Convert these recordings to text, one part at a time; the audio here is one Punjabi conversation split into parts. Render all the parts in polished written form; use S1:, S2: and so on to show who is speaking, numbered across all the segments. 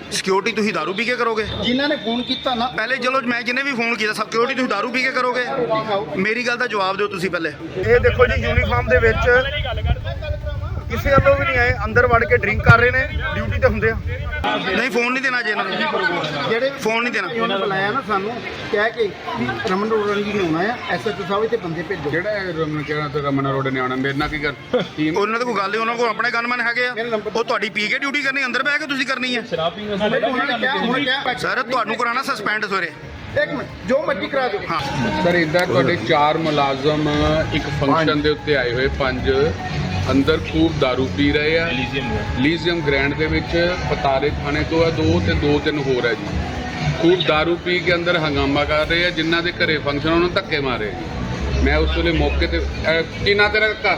S1: सिक्योरिटी तुसीं दारू पी के करोगे?
S2: जिन्होंने फोन किया ना
S1: पहले चलो मैं जिन्हें भी फोन किया सिक्योरिटी तुसीं दारू पी के करोगे? मेरी गल दा जवाब दिओ तुसीं पहले। ये देखो जी यूनीफॉर्म दे विच किसी वालों भी नहीं आए, अंदर वड़ के ड्रिंक कर रहे हैं, ड्यूटी ते हुंदे आ। नहीं फोन नहीं देना जी इन्हां नूं,
S2: ਜਿਹੜੇ
S1: फोन नहीं देना।
S2: ਉਹਨਾਂ ਬੁਲਾਇਆ ਨਾ ਸਾਨੂੰ ਕਹਿ ਕੇ ਵੀ ਰਮਨ ਰੋੜਾ ਜੀ ਨੇ ਆਉਣਾ ਆ ਐਸਐਚਓ ਸਾਹਿਬ ਤੇ ਬੰਦੇ ਭੇਜੋ।
S3: ਜਿਹੜਾ ਰਮਨ ਕਹਿਣਾ ਤੇ ਰਮਨ ਅਰੋੜੇ ਨੇ ਆਉਣਾ, ਮੇਰੇ ਨਾਲ ਕੀ ਕਰ ਟੀਮ
S1: ਉਹਨਾਂ ਦਾ ਕੋਈ ਗੱਲ ਨਹੀਂ, ਉਹਨਾਂ ਕੋਲ ਆਪਣੇ ਗਨਮੈਨ ਹੈਗੇ ਆ, ਉਹ ਤੁਹਾਡੀ ਪੀ ਕੇ ਡਿਊਟੀ ਕਰਨੀ, ਅੰਦਰ ਬਹਿ ਕੇ ਤੁਸੀਂ ਕਰਨੀ ਹੈ।
S2: ਉਹਨਾਂ ਨੇ ਕਿਹਾ ਹੁਣ ਕਿਹਾ
S1: ਸਰ ਤੁਹਾਨੂੰ ਕਰਾਣਾ ਸਸਪੈਂਡ ਸਵੇਰੇ।
S2: ਇੱਕ ਮਿੰਟ ਜੋ ਮਰਜ਼ੀ ਕਰਾ ਦਿਓ।
S1: ਹਾਂ
S3: ਸਰ ਇਦਾਂ ਤੁਹਾਡੇ 4 ਮੁਲਾਜ਼ਮ ਇੱਕ ਫੰਕਸ਼ਨ ਦੇ ਉੱਤੇ ਆਏ ਹੋਏ, 5 ਅੰਦਰ ਖੂਬ दारू ਪੀ ਰਹੇ ਆ ਲੀਜ਼ੀਅਮ ਗ੍ਰੈਂਡ ਦੇ ਵਿੱਚ, ਪਤਾਰੇ ਥਾਣੇ ਤੋਂ ਆ 2 ਤੇ 2-3 ਹੋਰ ਹੈ ਜੀ। ਖੂਬ दारू ਪੀ ਕੇ ਅੰਦਰ ਹੰਗਾਮਾ ਕਰ ਰਹੇ ਆ, ਜਿਨ੍ਹਾਂ ਦੇ ਘਰੇ ਫੰਕਸ਼ਨ ਉਹਨਾਂ ਨੂੰ ਧੱਕੇ ਮਾਰੇ ਜੀ। ਮੈਂ ਉਸ ਵੇਲੇ ਮੌਕੇ ਤੇ ਕੀ ਨਾਂ ਤੇਰਾ ਕਾਕਾ?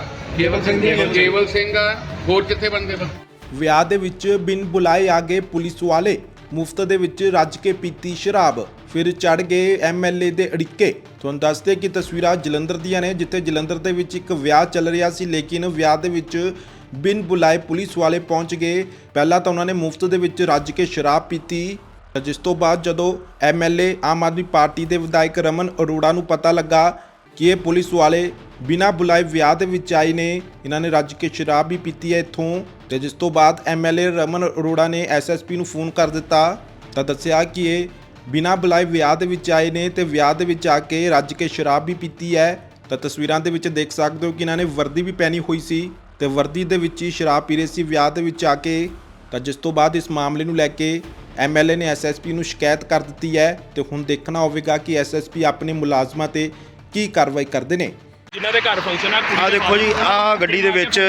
S3: ਕੇਵਲ ਸਿੰਘ ਆ, ਹੋਰ ਕਿੱਥੇ ਬੰਦੇ?
S4: ਵਿਆਹ ਦੇ ਵਿੱਚ ਬਿਨ ਬੁਲਾਏ ਆ ਗਏ ਪੁਲਿਸ ਵਾਲੇ, ਮੁਫਤ ਦੇ ਵਿੱਚ ਰੱਜ ਕੇ ਪੀਤੀ ਸ਼ਰਾਬ, ਫਿਰ ਚੜ ਗਏ ਐਮਐਲਏ ਦੇ ਅੜਿੱਕੇ। ਤੁਹਾਨੂੰ ਦੱਸਦੇ ਕਿ ਤਸਵੀਰਾਂ ਜਲੰਧਰ ਦੀਆਂ ਨੇ, ਜਿੱਥੇ ਜਲੰਧਰ ਦੇ ਵਿੱਚ ਇੱਕ ਵਿਆਹ ਚੱਲ ਰਿਹਾ ਸੀ, ਲੇਕਿਨ ਵਿਆਹ ਦੇ ਵਿੱਚ ਬਿਨ ਬੁਲਾਏ ਪੁਲਿਸ ਵਾਲੇ ਪਹੁੰਚ ਗਏ। ਪਹਿਲਾਂ ਤਾਂ ਉਹਨਾਂ ਨੇ ਮੁਫਤ ਦੇ ਵਿੱਚ ਰੱਜ ਕੇ ਸ਼ਰਾਬ ਪੀਤੀ, ਜਿਸ ਤੋਂ ਬਾਅਦ ਜਦੋਂ ਐਮਐਲਏ ਆਮ ਆਦਮੀ ਪਾਰਟੀ ਦੇ ਵਿਧਾਇਕ ਰਮਨ ਅਰੋੜਾ ਨੂੰ ਪਤਾ ਲੱਗਾ ਕਿ ਇਹ ਪੁਲਿਸ ਵਾਲੇ ਬਿਨਾਂ ਬੁਲਾਏ ਵਿਆਹ ਦੇ ਵਿੱਚ ਆਏ ਨੇ, ਇਹਨਾਂ ਨੇ ਰੱਜ ਕੇ ਸ਼ਰਾਬ ਵੀ ਪੀਤੀ ਹੈ ਇੱਥੋਂ, ਤੇ ਜਿਸ ਤੋਂ ਬਾਅਦ ਐਮਐਲਏ ਰਮਨ ਅਰੋੜਾ ਨੇ ਐਸਐਸਪੀ ਨੂੰ ਫੋਨ ਕਰ ਦਿੱਤਾ ਤਾਂ ਦੱਸਿਆ ਕਿ ਇਹ ਬਿਨਾਂ ਬੁਲਾਏ ਵਿਆਹ ਦੇ ਵਿੱਚ ਆਏ ਨੇ ਤੇ ਵਿਆਹ ਦੇ ਵਿੱਚ ਆ ਕੇ ਰੱਜ ਕੇ ਸ਼ਰਾਬ ਵੀ ਪੀਤੀ ਹੈ। ਤਾਂ ਤਸਵੀਰਾਂ ਦੇ ਵਿੱਚ ਦੇਖ ਸਕਦੇ ਹੋ ਕਿ ਇਹਨਾਂ ਨੇ ਵਰਦੀ ਵੀ ਪਹਿਨੀ ਹੋਈ ਸੀ ਤੇ ਵਰਦੀ ਦੇ ਵਿੱਚ ਹੀ ਸ਼ਰਾਬ ਪੀ ਰਹੇ ਸੀ ਵਿਆਹ ਦੇ ਵਿੱਚ ਆ ਕੇ। ਤਾਂ ਜਿਸ ਤੋਂ ਬਾਅਦ ਇਸ ਮਾਮਲੇ ਨੂੰ ਲੈ ਕੇ ਐਮਐਲਏ ਨੇ ਐਸਐਸਪੀ ਨੂੰ ਸ਼ਿਕਾਇਤ ਕਰ ਦਿੱਤੀ ਹੈ ਤੇ ਹੁਣ ਦੇਖਣਾ ਹੋਵੇਗਾ ਕਿ ਐਸਐਸਪੀ ਆਪਣੇ ਮੁਲਾਜ਼ਮਾਂ ਤੇ ਕੀ ਕਾਰਵਾਈ ਕਰਦੇ ਨੇ।
S5: ਜਿਨ੍ਹਾਂ ਦੇ ਘਰ ਫੰਕਸ਼ਨ ਆ
S1: ਦੇਖੋ ਜੀ ਆਹ ਗੱਡੀ ਦੇ ਵਿੱਚ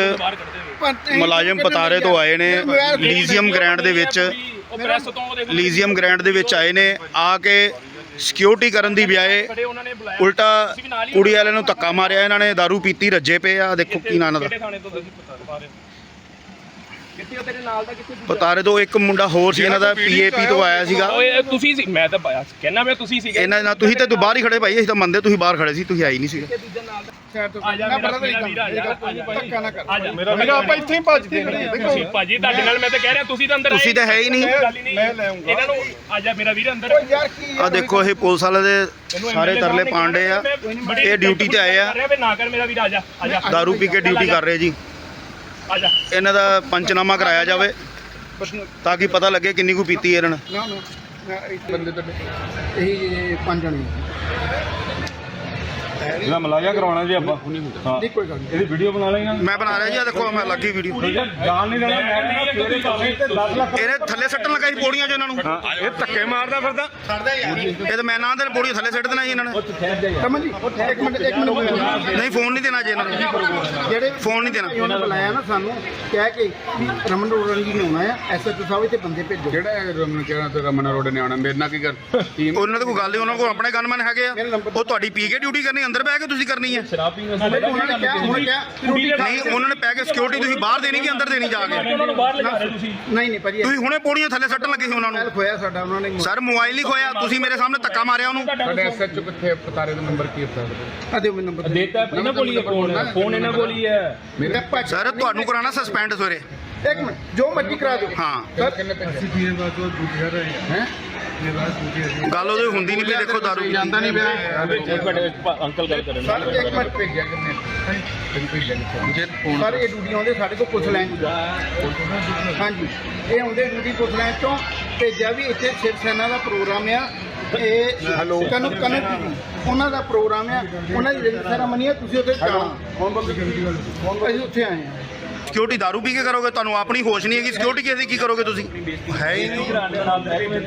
S1: ਮੁਲਾਜ਼ਮ ਪਤਾਰੇ ਤੋਂ ਆਏ ਨੇ, ਲੀਜ਼ੀਅਮ ਗ੍ਰੈਂਡ ਦੇ ਵਿੱਚ ਲੀਜ਼ੀਅਮ ਗ੍ਰੈਂਡ ਦੇ ਵਿੱਚ ਆਏ ਨੇ, ਆ ਕੇ ਸਿਕਿਉਰਿਟੀ ਕਰਨ ਦੀ ਬਜਾਏ ਉਲਟਾ ਕੁੜੀ ਵਾਲਿਆਂ ਨੂੰ ਧੱਕਾ ਮਾਰਿਆ। ਇਹਨਾਂ ਨੇ दारू ਪੀਤੀ, ਰੱਜੇ ਪਏ ਆ। ਦੇਖੋ ਕੀ ਨਾਂ ਦਾ ਪਤਾਰੇ ਤੋਂ ਇੱਕ ਮੁੰਡਾ ਹੋਰ ਸੀ ਇਹਨਾਂ ਦਾ, ਪੀਏਪੀ ਤੋਂ ਆਇਆ ਸੀਗਾ।
S5: ਓਏ ਤੁਸੀਂ ਸੀ, ਮੈਂ ਤਾਂ ਕਹਿੰਦਾ ਮੈਂ ਤੁਸੀਂ ਸੀਗੇ
S1: ਇਹਨਾਂ ਨਾਲ ਤੁਸੀਂ ਤਾਂ ਬਾਹਰ ਹੀ ਖੜੇ ਭਾਈ, ਅਸੀਂ ਤਾਂ ਮੰਨਦੇ ਤੁਸੀਂ ਬਾਹਰ ਖੜੇ ਸੀ, ਤੁਸੀਂ ਆਈ ਨਹੀਂ ਸੀ।
S5: ਮੇਰਾ ਆਪਾਂ ਇੱਥੇ ਹੀ ਭੱਜਦੇ ਨੇ ਭਾਜੀ, ਤੁਹਾਡੇ ਨਾਲ ਮੈਂ ਤਾਂ ਕਹਿ ਰਿਹਾ ਤੁਸੀਂ ਤਾਂ ਅੰਦਰ
S1: ਤੁਸੀਂ ਤਾਂ ਹੈ ਹੀ ਨਹੀਂ।
S5: ਮੈਂ ਲੈ ਆਉਂਗਾ ਇਹਨਾਂ ਨੂੰ। ਆ ਜਾ ਮੇਰਾ ਵੀਰ ਅੰਦਰ।
S1: ਆ ਦੇਖੋ ਇਹ ਪੁਲਿਸ ਵਾਲੇ ਦੇ ਸਾਰੇ ਤਰਲੇ ਪਾਂਡੇ ਆ, ਇਹ ਡਿਊਟੀ ਤੇ ਆਏ ਆ,
S5: ਨਾ ਕਰ ਮੇਰਾ ਵੀਰ, ਆ ਜਾ ਆ ਜਾ।
S1: दारू ਪੀ ਕੇ ਡਿਊਟੀ ਕਰ ਰਹੇ ਜੀ।
S5: ਆ ਜਾ
S1: ਇਹਨਾਂ ਦਾ ਪੰਚਨਾਮਾ ਕਰਾਇਆ ਜਾਵੇ ਤਾਂ ਕਿ ਪਤਾ ਲੱਗੇ ਕਿੰਨੀ ਕੁ ਪੀਤੀ ਇਹਨਾਂ ਨੇ।
S2: ਬੰਦੇ ਤਾਂ ਇਹ 5 ਜਣੇ
S6: ਇਹਦਾ ਮਲਾਇਆ ਕਰਾਉਣਾ ਜੀ ਆਪਾਂ। ਹਾਂ
S2: ਨਹੀਂ ਕੋਈ ਗੱਲ ਨਹੀਂ।
S6: ਇਹਦੀ ਵੀਡੀਓ ਬਣਾ ਲੈਣਾ।
S1: ਮੈਂ ਬਣਾ ਰਿਹਾ ਜੀ, ਆ ਦੇਖੋ ਮੈਂ ਲੱਗੀ ਵੀਡੀਓ।
S6: ਜਾਣ ਨਹੀਂ ਦੇਣਾ, ਮੈਂ ਕਹਿੰਦਾ ਤੇਰੇ ਭਾਵੇਂ ਤੇ 10 ਲੱਖ।
S1: ਇਹਨੇ ਥੱਲੇ ਸੱਟਣ ਲਗਾਈ ਪੌੜੀਆਂ 'ਚ ਇਹਨਾਂ ਨੂੰ।
S6: ਇਹ ਧੱਕੇ ਮਾਰਦਾ ਫਿਰਦਾ।
S1: ਇਹ ਤਾਂ ਮੈਂ ਨਾ ਦੇ ਪੌੜੀਆਂ ਥੱਲੇ ਸੱਟ ਦੇਣਾ ਜੀ ਇਹਨਾਂ ਨੇ।
S2: ਸਮਝ ਜੀ ਇੱਕ ਮਿੰਟ
S1: ਨਹੀਂ ਫੋਨ ਨਹੀਂ ਦੇਣਾ ਜੀ ਇਹਨਾਂ ਨੂੰ,
S2: ਜਿਹੜੇ
S1: ਫੋਨ ਨਹੀਂ ਦੇਣਾ।
S2: ਉਹਨਾਂ ਬੁਲਾਇਆ ਨਾ ਸਾਨੂੰ ਕਹਿ ਕੇ ਵੀ ਰਮਨ ਰੋੜਾ ਜੀ ਨੇ ਆਉਣਾ ਆ ਐਸਐਚਓ ਸਾਹਿਬ ਤੇ ਬੰਦੇ ਭੇਜੋ।
S3: ਜਿਹੜਾ ਰਮਨ ਕਹਿਣਾ ਤੇ ਰਮਨ ਅਰੋੜੇ ਨੇ ਆਉਣਾ, ਮੇਰੇ ਨਾਲ ਕੀ ਕਰ ਟੀਮ
S1: ਉਹਨਾਂ ਦਾ ਕੋਈ ਗੱਲ ਨਹੀਂ, ਉਹਨਾਂ ਕੋਲ ਆਪਣੇ ਗਨਮੈਨ ਹੈਗੇ ਆ, ਉਹ ਤੁਹਾਡੀ ਪੀ ਕੇ ਡਿਊਟੀ ਕਰਨੀ, ਅੰਦਰ ਬਹਿ ਕੇ ਤੁਸੀਂ ਕਰਨੀ ਹੈ।
S2: ਉਹਨਾਂ ਨੇ ਕਿਹਾ ਹੁਣ ਕਿਹਾ
S1: ਨਹੀਂ ਉਹਨਾਂ ਨੇ ਪੈ ਕੇ ਸਿਕਿਉਰਿਟੀ ਤੁਸੀਂ ਬਾਹਰ ਦੇਣੀ ਕਿ ਅੰਦਰ ਦੇਣੀ ਜਾ ਕੇ?
S5: ਉਹਨਾਂ ਨੂੰ ਬਾਹਰ ਲਗਾ ਰਹੇ ਤੁਸੀਂ।
S2: ਨਹੀਂ ਭਾਜੀ
S1: ਤੁਸੀਂ ਹੁਣੇ ਪੌੜੀਆਂ ਥੱਲੇ ਸੱਟਣ ਲੱਗੇ ਸੀ ਉਹਨਾਂ ਨੂੰ।
S2: ਖੋਇਆ ਸਾਡਾ ਉਹਨਾਂ ਨੇ।
S1: ਸਰ ਮੋਬਾਈਲ ਹੀ ਖੋਇਆ, ਤੁਸੀਂ ਮੇਰੇ ਸਾਹਮਣੇ ਧੱਕਾ ਮਾਰਿਆ ਉਹਨੂੰ।
S3: ਸਾਡੇ ਐਸਐਚਓ ਕਿੱਥੇ? ਪਤਾਰੇ ਦਾ ਨੰਬਰ ਕੀ ਹੈ?
S2: ਆ ਦਿਓ ਮੈਨੂੰ ਨੰਬਰ।
S5: ਦੇਤਾ ਇਹਨਾਂ ਕੋਲ ਹੀ ਹੈ ਫੋਨ ਇਹਨਾਂ ਕੋਲ ਹੀ ਹੈ।
S3: ਮੇਰੇ
S1: ਸਰ ਤੁਹਾਨੂੰ ਕਰਾਣਾ ਸਸਪੈਂਡ ਸਵੇਰੇ।
S2: ਇੱਕ ਮਿੰਟ ਜੋ ਮਰਜ਼ੀ ਕਰਾ ਦਿਓ।
S1: ਹਾਂ
S3: ਕਿੰਨੇ ਪੈਸੇ
S2: ਹੈ
S1: ਗੱਲ ਉਹਦੀ ਹੁੰਦੀ ਨਹੀਂ ਪਈ। ਦੇਖੋ दारू
S2: ਜਾਂਦਾ ਨਹੀਂ ਪਿਆ
S5: ਇੱਕ ਮਿੰਟ ਅੰਕਲ ਗੱਲ ਕਰਨ।
S2: ਸਰ ਇੱਕ ਮਿੰਟ
S3: ਭੇਜਿਆ ਕਿੰਨੇ? ਜੇ ਫੋਨ
S2: ਸਰ ਇਹ ਡਿਊਟੀ ਆਉਂਦੇ ਸਾਡੇ ਕੋਲ ਪੁਲਿਸ ਲਾਈਨ। ਹਾਂਜੀ ਇਹ ਆਉਂਦੇ ਡਿਊਟੀ ਪੁਲਿਸ ਲਾਈਨ ਤੋਂ ਭੇਜਿਆ ਵੀ ਇੱਥੇ ਸ਼ਿਵ ਸੈਨਾ ਦਾ ਪ੍ਰੋਗਰਾਮ ਆ। ਇਹ ਕਨਕ ਉਹਨਾਂ ਦਾ ਪ੍ਰੋਗਰਾਮ ਆ, ਉਹਨਾਂ ਦੀ ਰਿੰਗ ਸੈਰਾਮਨੀ ਆ, ਤੁਸੀਂ ਉੱਥੇ ਜਾਣਾ। ਅਸੀਂ ਉੱਥੇ ਆਏ ਹਾਂ।
S1: ਸਿਕਿਉਰਿਟੀ दारू ਪੀ ਕੇ ਕਰੋਗੇ? ਤੁਹਾਨੂੰ ਆਪਣੀ ਹੋਸ਼ ਨਹੀਂ ਹੈਗੀ, ਸਿਕਿਉਰਿਟੀ ਕਿਸੇ ਦੀ ਕੀ ਕਰੋਗੇ ਤੁਸੀਂ? ਹੈ ਹੀ ਨਹੀਂ।